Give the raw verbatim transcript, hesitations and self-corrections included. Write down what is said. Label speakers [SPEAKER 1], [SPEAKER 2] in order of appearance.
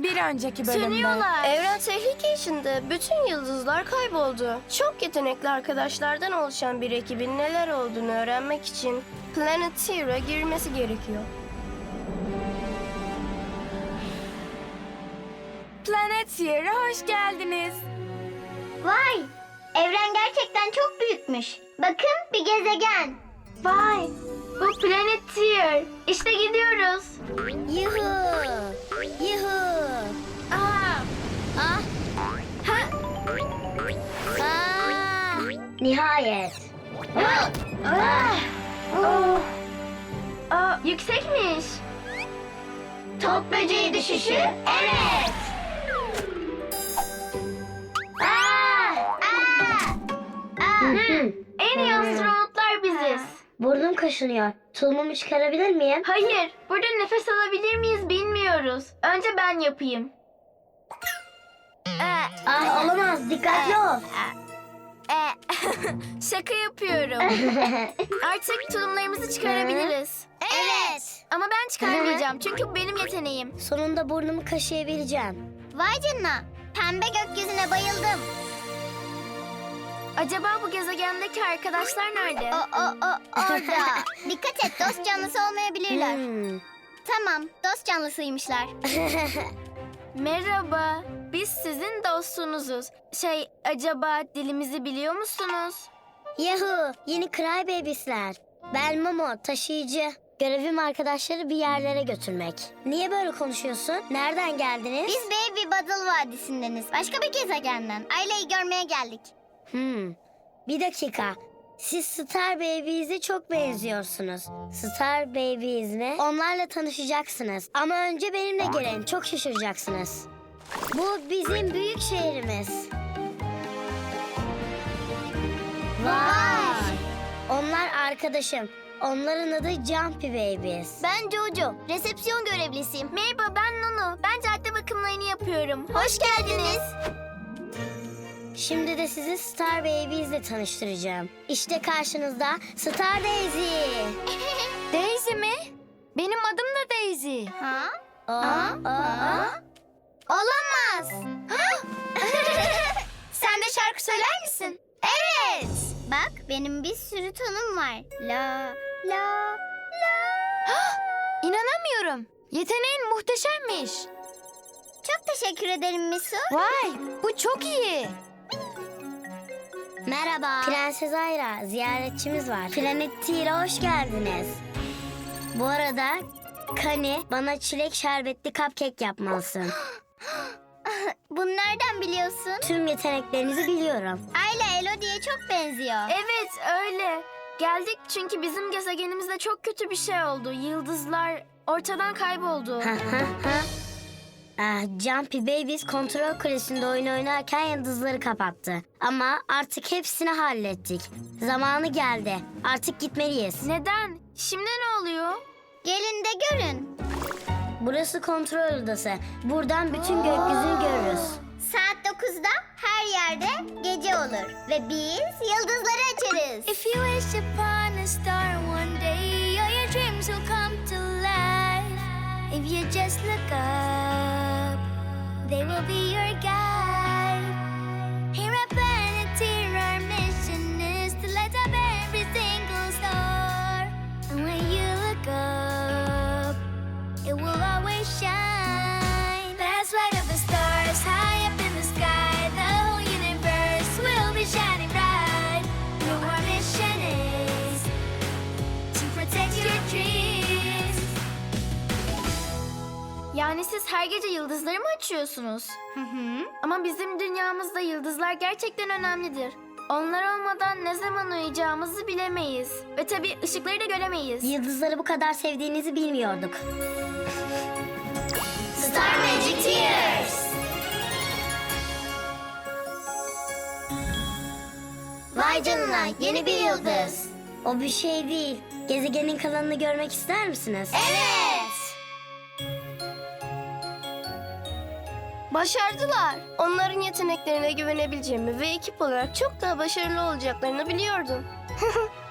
[SPEAKER 1] Bir önceki bölümde.
[SPEAKER 2] Sönüyorlar.
[SPEAKER 3] Evren tehlike içinde. Bütün yıldızlar kayboldu. Çok yetenekli arkadaşlardan oluşan bir ekibin neler olduğunu öğrenmek için Planeteer'a girmesi gerekiyor.
[SPEAKER 1] Planeteer'a hoş geldiniz.
[SPEAKER 4] Vay! Evren gerçekten çok büyükmüş. Bakın bir gezegen.
[SPEAKER 2] Vay, bu Planeteer. İşte gidiyoruz.
[SPEAKER 4] Yuhu! Yuhu!
[SPEAKER 2] Aa,
[SPEAKER 4] Ah!
[SPEAKER 2] ha,
[SPEAKER 4] Aa! Nihayet. Ah! Ah!
[SPEAKER 2] oh. Aa, yüksekmiş.
[SPEAKER 4] Top böceği düşüşü? Evet. Aa! Aa! Aa!
[SPEAKER 2] En iyi astronotlar biziz.
[SPEAKER 4] Burnum kaşınıyor. Tulumumu çıkarabilir miyim?
[SPEAKER 2] Hayır, burada nefes alabilir miyiz bilmiyoruz. Önce ben yapayım.
[SPEAKER 4] Ay olamaz. Dikkatli ol.
[SPEAKER 2] Şaka yapıyorum. Artık tulumlarımızı çıkarabiliriz.
[SPEAKER 4] Evet.
[SPEAKER 2] Ama ben çıkarmayacağım çünkü bu benim yeteneğim.
[SPEAKER 4] Sonunda burnumu kaşıyabileceğim. Vay canına. Pembe gökyüzüne bayıldım.
[SPEAKER 2] Acaba bu gezegendeki arkadaşlar nerede?
[SPEAKER 4] O, o, o, orada. Dikkat et, dost canlısı olmayabilirler. Tamam, dost canlısıymışlar.
[SPEAKER 2] Merhaba, biz sizin dostunuzuz. Şey, acaba dilimizi biliyor musunuz?
[SPEAKER 4] Yahu, yeni Crybabies'ler. Ben Momo, taşıyıcı. Görevim arkadaşları bir yerlere götürmek. Niye böyle konuşuyorsun? Nereden geldiniz? Biz Baby Bottle Vadisi'ndeniz. Başka bir gezegenden. Aileyi görmeye geldik. Hmm. Bir dakika. Siz Star Babies'e çok benziyorsunuz. Star Babies mi? Onlarla tanışacaksınız. Ama önce benimle gelin. Çok şaşıracaksınız. Bu bizim büyük şehrimiz. Vay! Onlar arkadaşım. Onların adı Jumpy Babies. Ben Jojo. Resepsiyon görevlisiyim.
[SPEAKER 2] Merhaba, ben Nunu. Ben cadde bakımlarını yapıyorum.
[SPEAKER 4] Hoş geldiniz. Şimdi de sizi Star Babies'le tanıştıracağım. İşte karşınızda Star Daisy.
[SPEAKER 2] Daisy mi? Benim adım da Daisy.
[SPEAKER 4] Ha? Aa, aa. Olamaz.
[SPEAKER 2] Sen de şarkı söyler misin?
[SPEAKER 4] Evet. Bak benim bir sürü tonum var. La la la.
[SPEAKER 2] İnanamıyorum. Yeteneğin muhteşemmiş.
[SPEAKER 4] Çok teşekkür ederim Misu.
[SPEAKER 2] Vay, bu çok iyi.
[SPEAKER 4] Merhaba. Prenses Ayra, ziyaretçimiz var. Planeteer'a hoş geldiniz. Bu arada Kani bana çilek şerbetli cupcake yapmalısın. Bunu nereden biliyorsun? Tüm yeteneklerinizi biliyorum. Ayla Elodie'ye çok benziyor.
[SPEAKER 2] Evet, öyle. Geldik çünkü bizim gezegenimizde çok kötü bir şey oldu. Yıldızlar ortadan kayboldu.
[SPEAKER 4] Ah, Jumpy Babies kontrol kulesinde oyun oynarken yıldızları kapattı. Ama artık hepsini hallettik. Zamanı geldi. Artık gitmeliyiz.
[SPEAKER 2] Neden? Şimdi ne oluyor?
[SPEAKER 4] Gelin de görün. Burası kontrol odası. Buradan bütün gökyüzünü görürüz. Saat dokuzda her yerde gece olur. Ve biz yıldızları açarız.
[SPEAKER 2] If you wish upon a star one day, all your dreams will come to life. If you just look up, they will be your guide. Here at Planeteer, our mission is to light up every single star. And when you look up, it will always shine. Let's light up the stars high up in the sky. The whole universe will be shining bright. Your mission is to protect your dreams. Yani siz her gece yıldızları mı açıyorsunuz?
[SPEAKER 4] Hı hı.
[SPEAKER 2] Ama bizim dünyamızda yıldızlar gerçekten önemlidir. Onlar olmadan ne zaman uyuyacağımızı bilemeyiz. Ve tabii ışıkları da göremeyiz.
[SPEAKER 4] Yıldızları bu kadar sevdiğinizi bilmiyorduk. Star Magic Tears. Vay canına, yeni bir yıldız. O bir şey değil. Gezegenin kalanını görmek ister misiniz? Evet.
[SPEAKER 3] Başardılar. Onların yeteneklerine güvenebileceğimi ve ekip olarak çok daha başarılı olacaklarını biliyordum.